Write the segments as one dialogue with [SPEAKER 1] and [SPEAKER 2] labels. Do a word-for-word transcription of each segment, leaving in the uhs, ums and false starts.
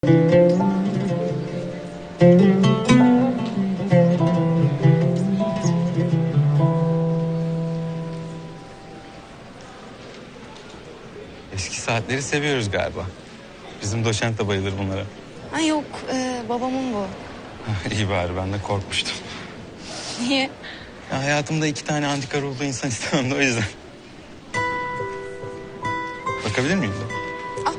[SPEAKER 1] Eski saatleri seviyoruz galiba. Bizim doçent de bayılır bunlara.
[SPEAKER 2] Ha yok, e, babamın bu.
[SPEAKER 1] İyi bari, ben de korkmuştum.
[SPEAKER 2] Niye?
[SPEAKER 1] Ya hayatımda iki tane antika ruhlu insan istemem de o yüzden. Bakabilir miyim de?
[SPEAKER 2] Al.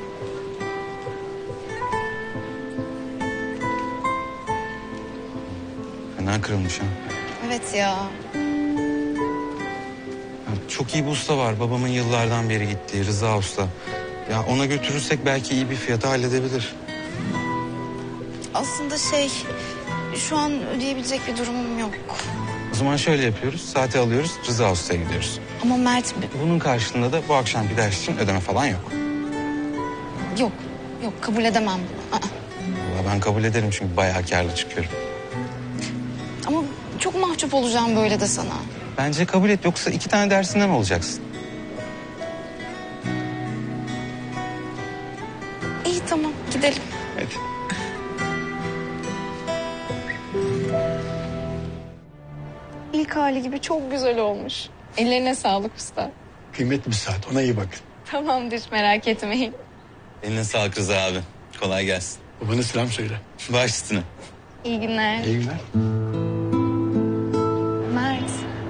[SPEAKER 1] Fena kırılmış ha.
[SPEAKER 2] Evet ya.
[SPEAKER 1] Ya çok iyi bir usta var. Babamın yıllardan beri gittiği Rıza Usta. Ya ona götürürsek belki iyi bir fiyata halledebilir.
[SPEAKER 2] Aslında şey, şu an ödeyebilecek bir durumum yok.
[SPEAKER 1] O zaman şöyle yapıyoruz. Saati alıyoruz, Rıza Usta'ya gidiyoruz.
[SPEAKER 2] Ama Mert,
[SPEAKER 1] Bunun karşılığında da bu akşamki ders için ödeme falan yok.
[SPEAKER 2] yok, yok kabul edemem bunu. Aa.
[SPEAKER 1] Vallahi ben kabul ederim çünkü bayağı kârlı çıkıyorum.
[SPEAKER 2] Ama çok mahcup olacağım böyle de sana.
[SPEAKER 1] Bence kabul et, yoksa iki tane dersinden olacaksın.
[SPEAKER 2] İyi tamam, gidelim.
[SPEAKER 1] Hadi.
[SPEAKER 2] İlk hali gibi çok güzel olmuş. Ellerine sağlık usta.
[SPEAKER 3] Kıymetli bir saat, ona iyi bakın.
[SPEAKER 2] Tamamdır, merak etmeyin.
[SPEAKER 1] Eline sağlık Rıza abi. Kolay gelsin.
[SPEAKER 3] Babana selam söyle.
[SPEAKER 1] Baş üstüne.
[SPEAKER 2] İyi günler.
[SPEAKER 3] İyi günler.
[SPEAKER 2] Mert.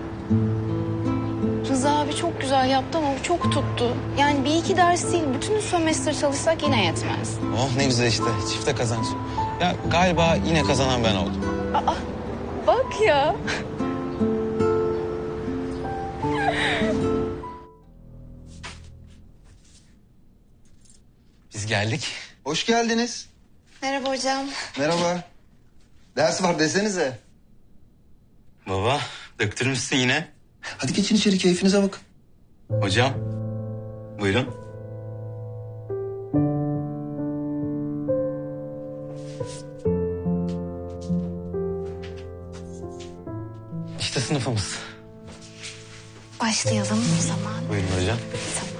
[SPEAKER 2] Rıza abi çok güzel yaptı ama bu çok tuttu. Yani bir iki ders değil, bütün sömestr çalışsak yine yetmez.
[SPEAKER 1] Oh ne güzel işte. Çifte kazanç. Ya galiba yine kazanan ben oldum.
[SPEAKER 2] Aa, bak ya.
[SPEAKER 1] Biz geldik.
[SPEAKER 4] Hoş geldiniz.
[SPEAKER 2] Merhaba hocam.
[SPEAKER 4] Merhaba. Ders var desenize.
[SPEAKER 1] Baba, döktürmüşsün yine.
[SPEAKER 4] Hadi geçin içeri, keyfinize bakın.
[SPEAKER 1] Hocam, buyurun. İşte sınıfımız.
[SPEAKER 2] Başlayalım o zaman.
[SPEAKER 1] Buyurun hocam.
[SPEAKER 2] Tamam.